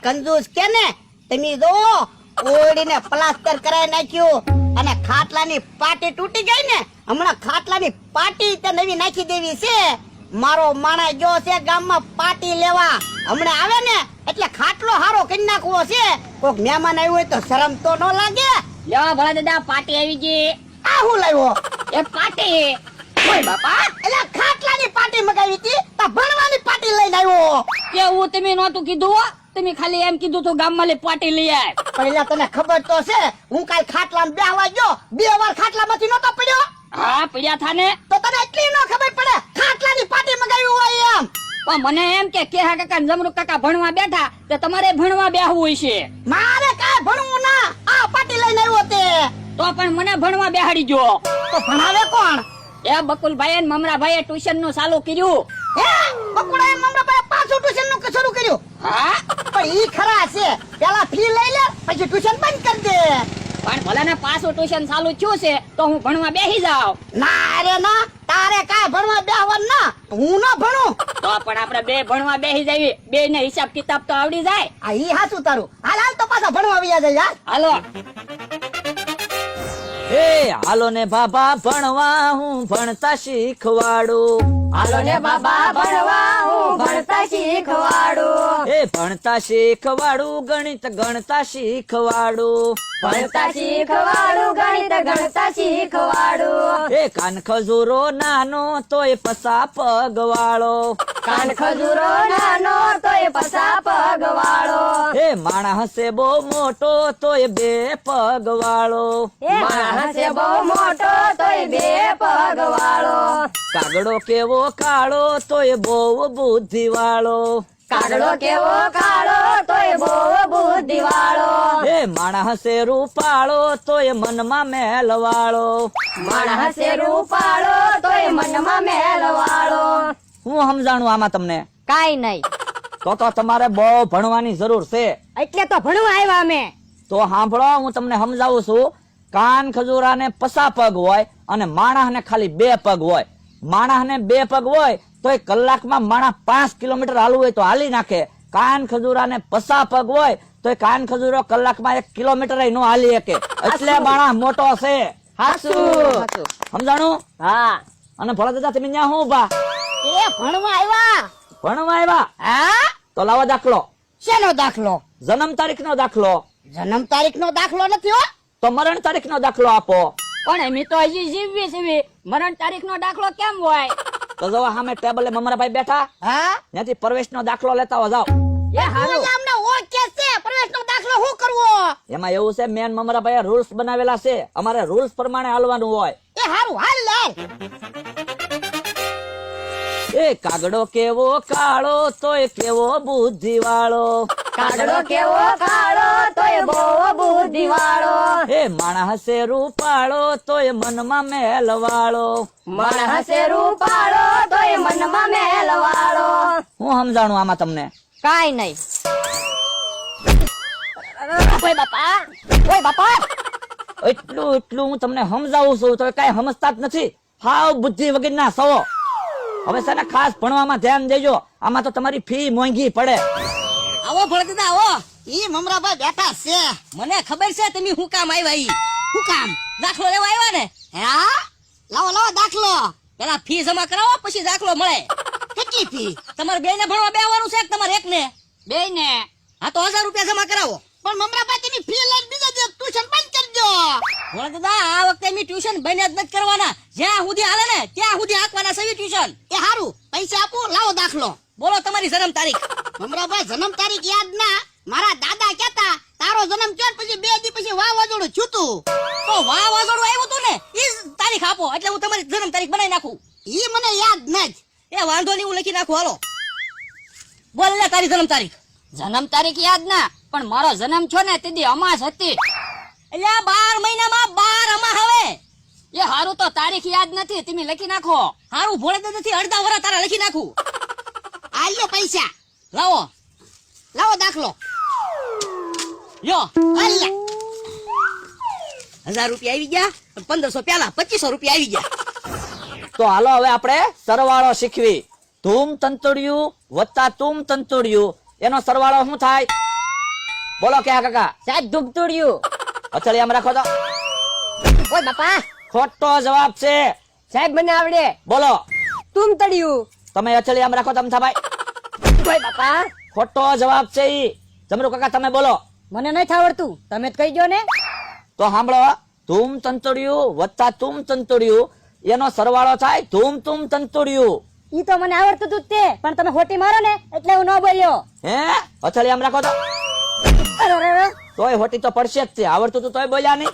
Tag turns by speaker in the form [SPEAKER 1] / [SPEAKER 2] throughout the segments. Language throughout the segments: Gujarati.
[SPEAKER 1] કંજૂસ કે ને તમે જો ઓડીને પ્લાસ્ટર કરાવી નાખ્યું અને ખાટલાની પાટી તૂટી ગઈ ને હમણાં ખાટલાની પાટી તે નવી નાખી દેવી છે મારો માણસ ગયો છે ગામમાં પાટી લેવા હમણાં આવે ને એટલે ખાટલો હારો કરી નાખવો છે કોક મહેમાન આવ્યું હોય તો શરમ તો ન લાગે
[SPEAKER 2] લ્યો ભલા દાદા પાટી આવી ગઈ
[SPEAKER 1] આ હું લાવ્યો
[SPEAKER 2] એ પાટી
[SPEAKER 1] ઓય બાપા એટલે ખાટલાની પાટી મગાવી હતી તો ભણવાની પાટી લઈને આવ્યો
[SPEAKER 2] કેવું તમે નહોતું કીધું હો? તમે ખાલી એમ કીધું તો ગામમાં લે પાટી લઈ આય.
[SPEAKER 1] પહેલા તને ખબર તો છે હું કાલ ખાટલામાં બેહવા ગયો 2 વાર ખાટલામાંથી નતો પડ્યો
[SPEAKER 2] હા પડ્યા થા ને
[SPEAKER 1] તો તને એટલી ન ખબર પડે ખાટલાની પાટી મગાવી હોય એમ
[SPEAKER 2] પણ મને એમ કે કેહા કાકા ને જમરૂક કાકા ભણવા બેઠા તે તમારે ભણવા બેહવું હોય છે
[SPEAKER 1] મારે કાંઈ ભણવું ના આ પાટી લઈને આવ્યો તે
[SPEAKER 2] તો પણ મને ભણવા બેહાડી ગયો
[SPEAKER 1] તો ભણાવે કોણ
[SPEAKER 2] એ બકુલભાઈ ને મમરાભાઈએ ટ્યુશન નું ચાલુ કર્યું
[SPEAKER 1] હે બકુડાએ મમરાભાઈ પાછું ટ્યુશન નું શરૂ કર્યું
[SPEAKER 2] હા
[SPEAKER 1] પણ ઈ ખરા છે પેલા ફી લઈ લે પછી ટ્યુશન બંધ કરી દે
[SPEAKER 2] પણ ભલે ને પાછું ટ્યુશન ચાલુ થયું છે તો હું ભણવા બેસી જાઉં
[SPEAKER 1] ના રે ના તારે કાંઈ ભણવા બેહવાનું ના હું ન ભણું
[SPEAKER 2] તો પણ આપણે બે ભણવા બેસી જઈએ બે ને હિસાબ કિતાબ તો આવડી જાય
[SPEAKER 1] આ ઈ હાચું તારું હાલ હાલ તો પાછા ભણવા વ્યા જાય યાર
[SPEAKER 2] હાલો
[SPEAKER 3] એ હાલો ને બાબા ભણવા હું ભણતા શીખવાડું
[SPEAKER 2] હાલો ને બાબા ભણવા હું ભણતા શીખવાડું
[SPEAKER 3] એ ભણતા શીખવાડું ગણિત ગણતા શીખવાડું
[SPEAKER 2] ભણતા શીખવાડું ગણિત ગણતા શીખવાડું
[SPEAKER 3] એ કાન ખજૂરો નાનો તોય પસા પગવાળો
[SPEAKER 2] કાન ખજૂરો નાનો તોય પસા પગવાળો
[SPEAKER 3] એ માણસ હશે બહુ મોટો તોય 2 પગવાળો
[SPEAKER 2] માણસ છે બહુ મોટો તોય 2 પગવાળો
[SPEAKER 3] કાગડો કેવો કાળો તોય બહુ બુદ્ધિવાળો
[SPEAKER 2] કાગડો કેવો કાળો તોય બહુ બુદ્ધિવાળો
[SPEAKER 3] એ માણસ હશે રૂપાળો તોય મનમાં મેલવાળો
[SPEAKER 2] માણસ છે રૂપાળો તોય મનમાં મેલવાળો
[SPEAKER 3] હું સમજાણું આમાં તમને
[SPEAKER 2] કાઈ નહીં
[SPEAKER 3] તો તમારે બહુ ભણવાની જરૂર છે
[SPEAKER 2] એટલે તો ભણવા આવ્યા અમે
[SPEAKER 3] તો સાંભળો હું તમને સમજાવું છું કાન ખજૂરાને પસા પગ હોય અને માણસને ખાલી 2 પગ હોય માણસને 2 પગ હોય તો એ કલાકમાં માણસ 5 કિલોમીટર હાલવું હોય તો હાલી નાખે કાન ખજૂરાને પસા પગ હોય તો એ કાન ખજૂરો કલાકમાં 1 કિલોમીટર નો હાલી શકે એટલે માણસ મોટો છે
[SPEAKER 2] હાચું
[SPEAKER 3] સમજાણું
[SPEAKER 2] હા
[SPEAKER 3] અને ભલા દાદા તમે ન્યા હું ઉભા
[SPEAKER 1] એ ભણવા આવ્યા
[SPEAKER 3] ભણવા આવ્યા
[SPEAKER 1] હા
[SPEAKER 3] તો લાવો દાખલો
[SPEAKER 1] શેનો દાખલો
[SPEAKER 3] જન્મ તારીખ નો દાખલો
[SPEAKER 1] જન્મ તારીખ નો દાખલો નથી હો
[SPEAKER 3] તો મરણ તારીખ નો દાખલો આપો
[SPEAKER 2] પણ એમ તો હજી જીવવી છે મરણ તારીખ નો દાખલો કેમ હોય
[SPEAKER 3] તો જો સામે ટેબલે મમરાભાઈ બેઠા
[SPEAKER 1] હા
[SPEAKER 3] ત્યાંથી પ્રવેશ નો દાખલો લેતા હો જાઓ
[SPEAKER 2] એ હારું
[SPEAKER 1] અમને ઓકે છે પ્રવેશ નો દાખલો શું કરવો
[SPEAKER 3] એમાં એવું છે મેન મમરાભાઈ રૂલ્સ બનાવેલા છે અમારે રૂલ્સ પ્રમાણે હાલવાનું હોય
[SPEAKER 1] એ હારું હાલ લે
[SPEAKER 3] એ કાગડો કેવો કાળો તોય કેવો બુદ્ધિવાળો
[SPEAKER 2] કાગડો કેવો કાળો તોય બહુ બુદ્ધિવાળો
[SPEAKER 3] એ માણસ હશે રૂપાળો તોય મનમાં મેલવાળો
[SPEAKER 2] માણસ છે રૂપાળો તોય મનમાં મેલવાળો
[SPEAKER 3] હું સમજાણું આમાં તમને
[SPEAKER 2] કાઈ નહીં ઓય બાપા
[SPEAKER 3] એટલું હું તમને સમજાવું છું તો કઈ સમજતા જ નથી હાવ બુદ્ધિ વગરના સવો હવે છે ને ખાસ ભણવામાં ધ્યાન દેજો આમાં તો તમારી ફી મોંઘી પડે
[SPEAKER 2] આવો ભળતા આવો
[SPEAKER 1] ઈ મમરાભાઈ બેઠા છે
[SPEAKER 2] મને ખબર છે તમે હું કામ આવ્યા ઈ
[SPEAKER 1] શું કામ
[SPEAKER 2] દાખલો લેવા આવ્યા ને
[SPEAKER 1] હા લાવો લાવો દાખલો
[SPEAKER 2] પેલા ફી જમા કરાવો પછી દાખલો મળે
[SPEAKER 1] કેટલી ફી
[SPEAKER 2] તમારે બે ને ભણવા બેવાનું છે કે તમારે એક ને બે ને હા તો 1000 રૂપિયા જમા કરાવો
[SPEAKER 1] પણ મમરાભાઈ તેની ફી લઈને બીજા દિવસ ટ્યુશન બંધ કરજો
[SPEAKER 2] ભળતા આ વખતે અમે ટ્યુશન બંધ જ નથી કરવાના જ્યાં સુધી હાલે ને ત્યાં સુધી હાંકવાના છે ટ્યુશન
[SPEAKER 1] એ હારું પૈસા આપો લાવો દાખલો
[SPEAKER 2] બોલો તમારી જન્મ તારીખ
[SPEAKER 1] મમરાભાઈ જન્મ તારીખ યાદ ના મારા દાદા કહેતા તારો જન્મ થયો પછી 2 દી પછી વાવાઝોડું છૂતું
[SPEAKER 2] તો વાવાઝોડું આવ્યું હતું ને ઈ તારીખ આપો એટલે હું તમારી જન્મ તારીખ બનાવી નાખું
[SPEAKER 1] ઈ મને યાદ નજ
[SPEAKER 2] એ વાંધો નહીં હું લખી નાખું હાલો બોલ લે તારી જન્મ તારીખ જન્મ તારીખ યાદ ના પણ મારો જન્મ છો ને તેથી અમાસ હતી એટલે 12 મહિનામાં 12 અમાસ હવે એ હારું તો તારીખ યાદ નથી તમે લખી નાખો હારું ભોળે તો નથી અડધા વરા તારા લખી નાખું
[SPEAKER 1] આલ્યો પૈસા
[SPEAKER 2] લાવો
[SPEAKER 1] લાવો દાખલો
[SPEAKER 2] લ્યો
[SPEAKER 1] અલ્યા
[SPEAKER 2] 1000 રૂપિયા આવી ગયા 1500 પેલા 2500 રૂપિયા આવી ગયા
[SPEAKER 3] તો હાલો હવે આપણે સરવાળો શીખવી ધૂમ તંતુડિયું વત્તા તુમ તંતુડિયું એનો સરવાળો શું થાય બોલો ક્યાં કાકા?
[SPEAKER 2] સાહેબ ધૂપતુડિયું.
[SPEAKER 3] અચળિયામાં રાખો તો.
[SPEAKER 2] ઓય બાપા,
[SPEAKER 3] ખોટો જવાબ છે.
[SPEAKER 2] સાહેબ મને આવડે.
[SPEAKER 3] બોલો.
[SPEAKER 2] તુમ તળિયું.
[SPEAKER 3] તમે અચળિયામાં રાખો તમથાભાઈ.
[SPEAKER 2] ઓય બાપા,
[SPEAKER 3] ખોટો જવાબ છે ઈ. જમરૂ કાકા તમે બોલો.
[SPEAKER 2] મને નથી આવડતું, તમે જ કહી દો ને.
[SPEAKER 3] તો સાંભળો, ધૂમ તંતોડિયું વત્તા તુમ તંતોડિયું એનો સરવાળો થાય ધૂમ તુમ તંતોડિયું.
[SPEAKER 2] ઈ તો મને આવડતું તું જ તે, પણ તમે હોટી મારો ને એટલે હું ન બોલ્યો.
[SPEAKER 3] હે અચળિયામાં રાખો તો.
[SPEAKER 2] અરે, અરે, અરે.
[SPEAKER 3] તોય હોટી તો પડશે જ તે. આવડતું તું તોય બોલ્યા નહીં.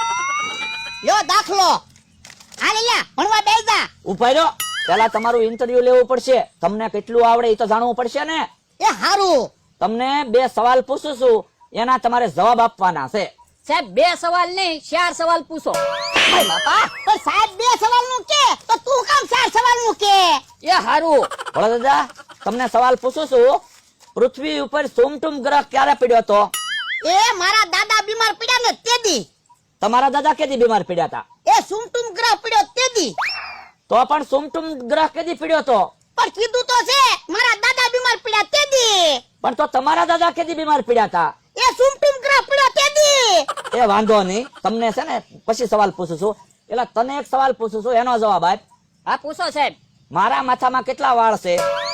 [SPEAKER 1] લ્યો દાખલો. હાલે લ્યા ભણવા બેસ જા.
[SPEAKER 3] ઉભા રહ્યો. પેલા તમારું ઇન્ટરવ્યુ લેવું પડશે. તમને કેટલું આવડે એ તો જાણવું પડશે ને.
[SPEAKER 1] એ હારું.
[SPEAKER 3] તમને 2 સવાલ પૂછું છું, એના તમારે જવાબ આપવાના છે.
[SPEAKER 2] સાહેબ 2 સવાલ નહીં 4 સવાલ પૂછો.
[SPEAKER 1] ઓય બાપા, તો સાહેબ 2 સવાલનું કે તો તું કામ 4 સવાલનું કે?
[SPEAKER 2] એ હારું.
[SPEAKER 3] ભોળા દાદા, તમને સવાલ પૂછું છું. પૃથ્વી ઉપર સોમટુમ ગ્રહ ક્યારે પડ્યો હતો?
[SPEAKER 1] એ મારા દાદા બીમાર પડ્યા ને તેદી.
[SPEAKER 3] તમારા દાદા કેદી બીમાર પડ્યા હતા?
[SPEAKER 1] એ સુમટુમ ગ્રહ પડ્યો તેદી.
[SPEAKER 3] તો પણ સોમટુમ ગ્રહ કેદી પડ્યો હતો?
[SPEAKER 1] પણ કીધું તો છે મારા દાદા બીમાર પડ્યા તેદી.
[SPEAKER 3] પણ તો તમારા દાદા કેદી બીમાર પડ્યા હતા?
[SPEAKER 1] એ સુમટુમ ગ્રહ પડ્યો તેદી.
[SPEAKER 3] એ વાંધો નહીં, તમને છે ને પછી સવાલ પૂછું છું. એટલે તને એક સવાલ પૂછું છું, એનો જવાબ આપ.
[SPEAKER 2] હા પૂછો સાહેબ.
[SPEAKER 3] મારા માથામાં કેટલા વાળ છે?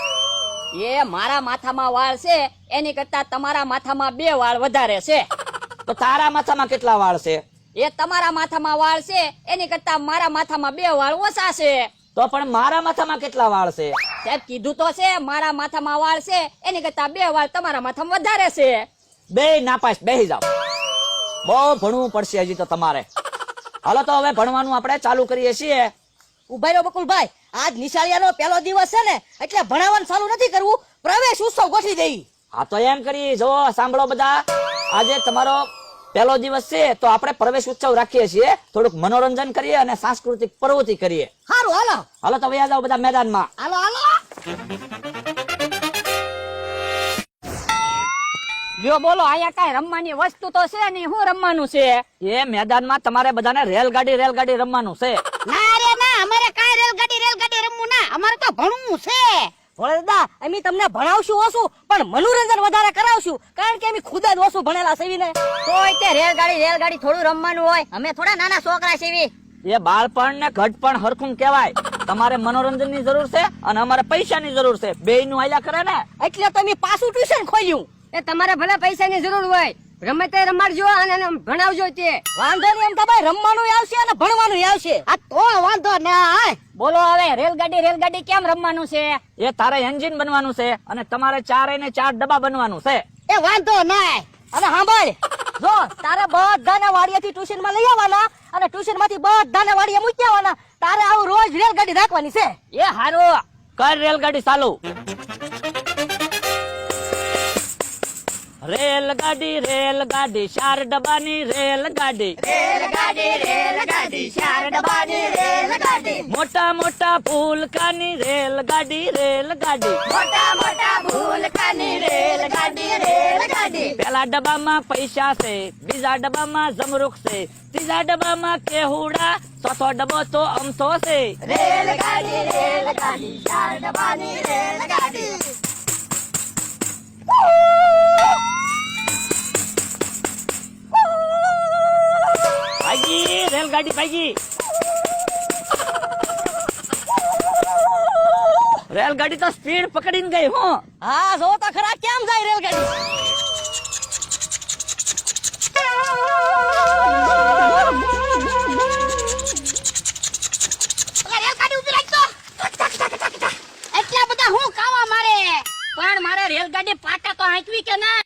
[SPEAKER 2] એ મારા માથામાં વાળ છે એની કરતા તમારા માથામાં 2 વાળ વધારે છે.
[SPEAKER 3] તો તારા માથામાં કેટલા વાળ છે?
[SPEAKER 2] એ તમારા માથામાં વાળ છે એની કરતા મારા માથામાં 2 વાળ ઓછા છે.
[SPEAKER 3] તો પણ મારા માથામાં કેટલા વાળ છે?
[SPEAKER 2] સાહેબ કીધું તો છે મારા માથામાં વાળ છે એની કરતા 2 વાળ તમારા માથામાં વધારે છે.
[SPEAKER 3] બે નાપાસ, બેહી જાઓ. બહુ ભણવું પડશે હજી તો તમારે. હાલો તો હવે ભણવાનું આપણે ચાલુ કરીએ છીએ.
[SPEAKER 2] ઉભા રહ્યો બકુલભાઈ, આજ નિશાળિયાનો પહેલો દિવસ છે ને એટલે ભણાવવાનું ચાલુ નથી કરવું, પ્રવેશ ઉત્સવ ગોઠવી દઈ.
[SPEAKER 3] હા તો એમ કરીએ, જો સાંભળો બધા, આજે તમારો પહેલો દિવસ છે તો આપણે પ્રવેશ ઉત્સવ રાખીએ છીએ. થોડુંક મનોરંજન કરીએ અને સાંસ્કૃતિક પ્રવૃત્તિ કરીએ.
[SPEAKER 1] હારું હાલો.
[SPEAKER 3] હાલો તો વયા જાઓ બધા મેદાનમાં.
[SPEAKER 1] હાલો હાલો.
[SPEAKER 2] લ્યો બોલો, અહીંયા કાંઈ રમવાની વસ્તુ તો છે નહીં, શું રમવાનું છે?
[SPEAKER 3] એ મેદાનમાં તમારે બધાને રેલગાડી રમવાનું છે.
[SPEAKER 1] ના રે ના, અમારે કાંઈ રેલગાડી રમવું ના, અમારે તો ભણવું છે.
[SPEAKER 2] ભોળા દાદા, અમે તમને ભણાવશું ઓછું પણ મનોરંજન વધારે કરાવશું, કારણ કે અમે ખુદ જ ઓછું ભણેલા છે ને. તોય તે રેલગાડી થોડું રમવાનું હોય, અમે થોડા નાના છોકરા છે.
[SPEAKER 3] એ બાળપણ ને ઘટપણ હરખું કહેવાય. તમારે મનોરંજન ની જરૂર છે અને અમારે પૈસાની જરૂર છે. બેયનું આલ્યા કરે ને.
[SPEAKER 2] એટલે તમે પાછું ટ્યુશન ખોલ્યું. એ તમારે ભલે પૈસાની જરૂર હોય, ગમે તે રમાડજો અને ભણાવજો. તે વાંધો નહીં, એમ તમારે રમવાનું આવશે અને ભણવાનું આવશે.
[SPEAKER 1] આ તો વાંધો ના.
[SPEAKER 2] બોલો હવે રેલગાડી કેમ રમવાનું છે?
[SPEAKER 3] એ તારે એન્જિન બનવાનું છે અને તમારે 4 ને 4 ડબ્બા બનવાનું છે.
[SPEAKER 1] એ વાંધો ના.
[SPEAKER 2] અને સાંભળ, જો તારે બધાને વાડિયાથી ટ્યુશન માં લઈ આવવાના અને ટ્યુશન માંથી બધાને વાડિયા મૂકી આવવાના. તારે આવું રોજ રેલગાડી રાખવાની છે.
[SPEAKER 3] એ હારું, કર રેલગાડી ચાલુ. રેલગાડી 4 ડબ્બાની રેલગાડી.
[SPEAKER 2] રેલગાડી 4 ડબ્બાની રેલગાડી.
[SPEAKER 3] મોટા ફૂલકાની રેલગાડી.
[SPEAKER 2] મોટા ભૂલકાની રેલગાડી.
[SPEAKER 3] પેલા ડબ્બામાં પૈસા છે, બીજા ડબ્બામાં જમરૂખ છે, ત્રીજા ડબ્બામાં કેહુડા, ચોથો ડબ્બો તો અમથો છે.
[SPEAKER 2] રેલગાડી 4 ડબ્બાની રેલગાડી.
[SPEAKER 3] ભાગી રેલગાડી ભાગી. રેલગાડી તો સ્પીડ પકડીને ગઈ. હું
[SPEAKER 2] હા જો તો ખરા કેમ જાય રેલગાડી.
[SPEAKER 1] રેલગાડી ઉભી રાખજો. એટલા બધા હું કાવા મારે.
[SPEAKER 2] પણ મારે રેલગાડી પાટા તો હાંકવી કે ના?